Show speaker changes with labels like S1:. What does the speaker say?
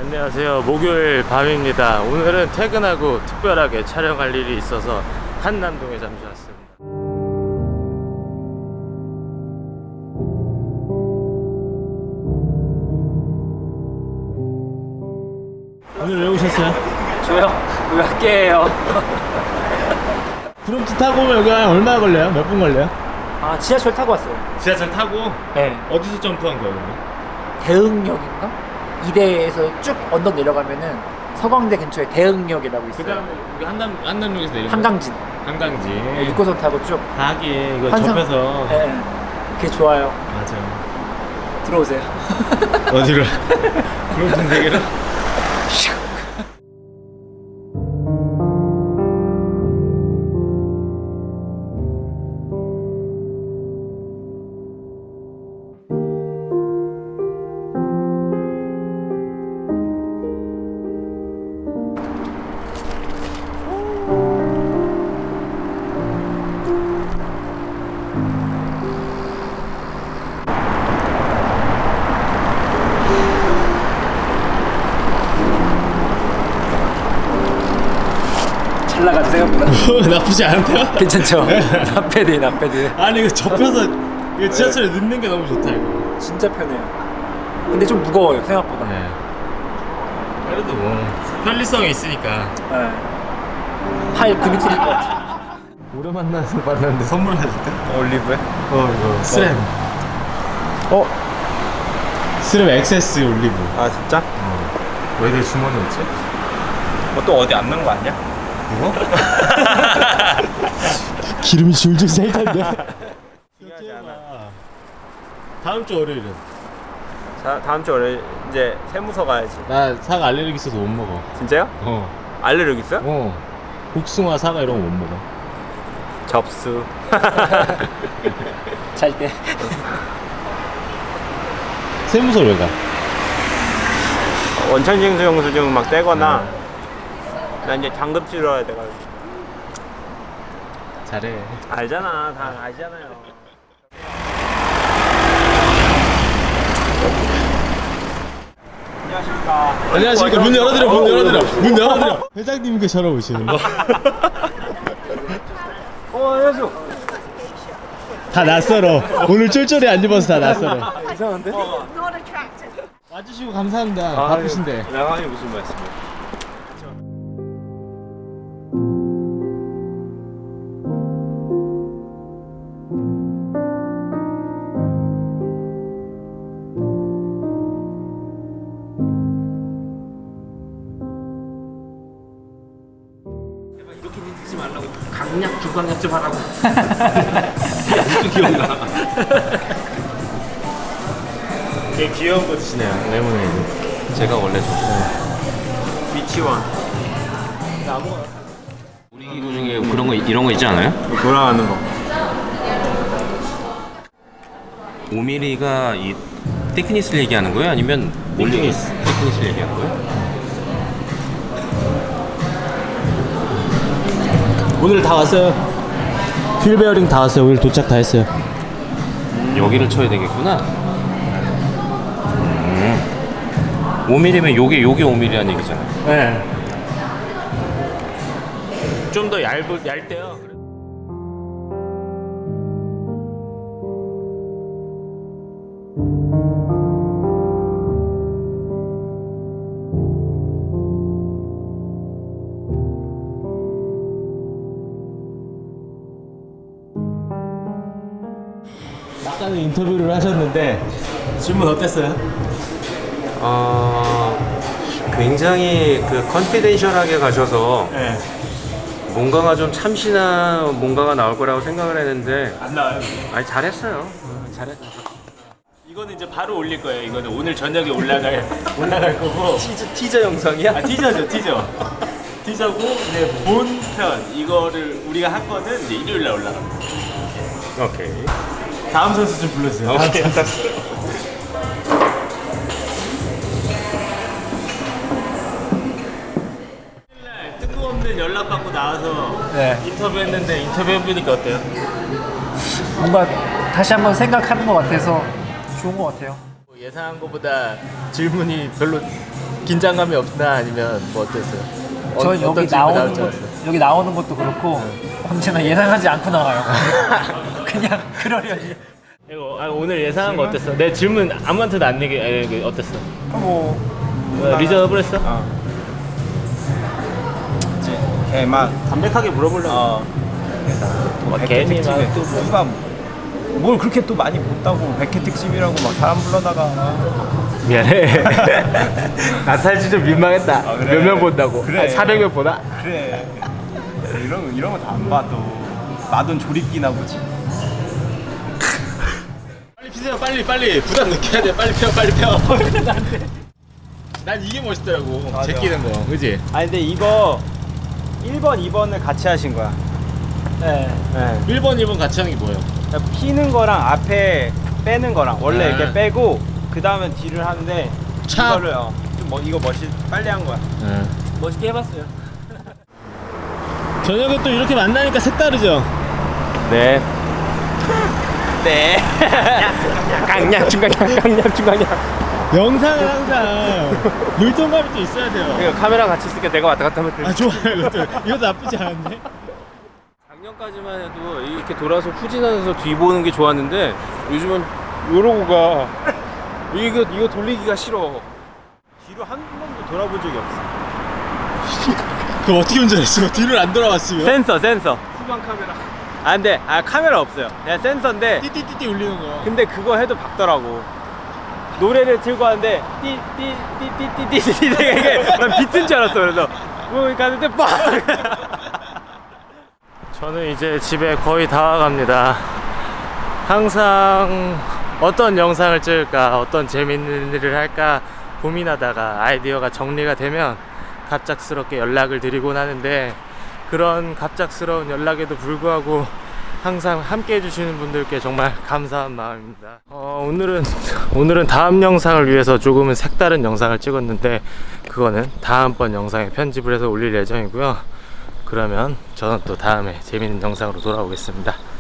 S1: 안녕하세요. 목요일 밤입니다. 오늘은 퇴근하고 특별하게 촬영할 일이 있어서 한남동에 잠시 왔습니다. 오늘 왜 오셨어요?
S2: 저요? 몇 개예요?
S1: 프롬트 타고 오면 여기 얼마 걸려요? 몇 분 걸려요?
S2: 아, 지하철 타고 왔어요.
S1: 지하철 타고?
S2: 네.
S1: 어디서 점프한 거예요, 근데?
S2: 대흥역인가? 이대에서 쭉 언덕 내려가면은 서광대 근처에 대흥역이라고 있어요.
S1: 그 다음에 여기 한남역에서 내리면
S2: 한강진.
S1: 한강지.
S2: 네, 6호선 타고 쭉.
S1: 하긴 이거
S2: 환상-
S1: 접해서.
S2: 네. 그게 좋아요.
S1: 맞아.
S2: 들어오세요.
S1: 어디로? 프롬트 세계로?
S2: 잘 나가죠, 생각보다.
S1: 나쁘지 않은데요?
S2: 괜찮죠? 나패드, 나패드.
S1: 아니 이거 접혀서 이거 지하철에 넣는 게 너무 좋다 이거.
S2: 진짜 편해요. 근데 좀 무거워요, 생각보다.
S1: 네. 그래도 뭐 편리성이 있으니까.
S2: 네. 팔 근육 생길 것 같아.
S1: 오래 만났는데 선물 해줄까?
S3: 올리브에?
S1: 이거 스램. 스램 엑세스 올리브.
S3: 아 진짜?
S1: 왜 내 주머니에 있지?
S3: 또 어디 안 넣은 거 아니야?
S1: 이거? 기름이 줄줄 셀 텐데.
S3: 중요하지 않아.
S1: 다음 주 월요일은?
S3: 자, 다음 주 월요일 이제 세무서 가야지.
S1: 나 사과 알레르기 있어서 못 먹어.
S3: 진짜요? 알레르기 있어요?
S1: 복숭아, 사과 이런 거 못 먹어.
S3: 접수.
S2: 잘 때.
S1: 세무서 왜 가?
S3: 원천징수 영수증 막 떼거나 나 이제 장급 치러야 돼가지고.
S1: 잘해.
S3: 알잖아, 다 알잖아요. 안녕하십니까.
S1: 안녕하십니까. 문 열어드려. 문 열어드려. 회장님께 전화 오시는 거.
S3: 안녕하세요.
S1: 다 낯설어. 오늘 쫄쫄이 안 입어서 다 낯설어.
S2: 이상한데?
S4: Not attractive.
S1: 와주시고 감사합니다. 바쁘신데.
S3: 양아이 무슨 말씀이에요?
S2: 이렇게 듣지 말라고. 강약, 주강약 좀 하라고.
S3: 무슨 기억나?
S1: 되게 귀여운 거 드시네요. 레모네이드.
S3: 제가 원래 미치원.
S5: 우리 기구 중에 그런 거 이런 거 있지 않아요?
S3: 돌아가는 거.
S5: 5mm가 이 테크니스를 얘기하는 거예요? 아니면 테크니스를 얘기하는 거예요?
S1: 오늘 다 왔어요. 휠 베어링 다 왔어요. 오늘 도착 다 했어요.
S5: 여기를 쳐야 되겠구나. 5mm면 요게 5mm라는 얘기잖아요.
S1: 네. 좀 더 얇대요. 아까는 인터뷰를 하셨는데 질문 어땠어요?
S5: 굉장히 그 컨피덴셜하게 가셔서
S1: 네.
S5: 뭔가가 좀 참신한 뭔가가 나올 거라고 생각을 했는데
S1: 안 나와요.
S5: 아니 잘했어요.
S1: 잘했어. 이거는 이제 바로 올릴 거예요. 이거는 오늘 저녁에 올라갈 거고.
S5: 티저 영상이야?
S1: 아 티저죠, 티저. 티저고 이제 본편 이거를 우리가 한 거는 이제 일요일 날 올라갑니다.
S5: 오케이.
S1: 다음 선수 좀 불러주세요.
S5: 오케이.
S1: 뜬금없는 연락 받고 나와서
S2: 네.
S1: 인터뷰했는데 인터뷰해보니까 어때요?
S2: 뭔가 다시 한번 생각하는 것 같아서 좋은 것 같아요.
S1: 예상한 것보다 질문이 별로 긴장감이 없나 아니면 뭐 어땠어요?
S2: 저
S1: 어떤
S2: 여기
S1: 질문
S2: 나오는
S1: 나올 줄
S2: 것
S1: 알았어요?
S2: 여기 나오는 것도 그렇고 언제나 예상하지 않고 나와요. 그냥 그러려니.
S1: 이거 오늘 예상한 거 어땠어? 내 질문 아무한테도 안 내게 어땠어?
S3: 뭐
S1: 리저너블했어?
S3: 걔막
S1: 담백하게 물어보려고. 괜히 막
S3: 또 누가 뭘 그렇게 또 많이 못다고 100회 특집이라고 막 사람 불러다가
S1: 미안해. 나 사실 좀 민망했다.
S3: 아, 그래?
S1: 몇 명 본다고?
S3: 그래.
S1: 400명 보나?
S3: 그래 이런 거 다 안 봐도 마돈 조립기나 보지.
S1: 빨리 피세요. 빨리 부담 느껴야 돼. 빨리 펴. 난 이게 멋있더라고.
S3: 맞아.
S1: 제끼는 거, 그지?
S3: 아니 근데 이거 1번, 2번을 같이 하신 거야.
S2: 네.
S3: 네.
S1: 1번, 2번 같이 하는 게 뭐예요?
S3: 그러니까 피는 거랑 앞에 빼는 거랑 원래
S1: 아.
S3: 이렇게 빼고 그 다음에 뒤를 하는데
S1: 차.
S3: 이거를 이거 빨리 한 거야.
S2: 멋있게 해봤어요.
S1: 저녁에 또 이렇게 만나니까 색다르죠?
S3: 네. 네. 강약
S1: 영상은 항상 물동감이 또 있어야 돼요.
S3: 이거 카메라 같이 있으니까 내가 왔다 갔다 하면 돼.
S1: 아, 좋아요. 이것도 나쁘지 않은데?
S5: 작년까지만 해도 이렇게 돌아서 후진하면서 뒤 보는 게 좋았는데 요즘은 이러고 가. 이거 돌리기가 싫어.
S3: 뒤로 한 번도 돌아본 적이 없어.
S1: 그럼 어떻게 운전했어? 뒤를 안 돌아왔으면?
S3: 센서. 후방 카메라. 아 근데 카메라 없어요. 그냥 센서인데
S1: 띠띠띠띠 울리는 거.
S3: 근데 그거 해도 박더라고. 노래를 틀고 하는데 띠띠띠띠띠띠 이게 난 비트인 줄 알았어. 그래서 뭐 가는데 빡.
S1: 저는 이제 집에 거의 다 와갑니다. 항상 어떤 영상을 찍을까, 어떤 재밌는 일을 할까 고민하다가 아이디어가 정리가 되면 갑작스럽게 연락을 드리곤 하는데, 그런 갑작스러운 연락에도 불구하고 항상 함께 해주시는 분들께 정말 감사한 마음입니다. 오늘은 다음 영상을 위해서 조금은 색다른 영상을 찍었는데, 그거는 다음번 영상에 편집을 해서 올릴 예정이고요. 그러면 저는 또 다음에 재밌는 영상으로 돌아오겠습니다.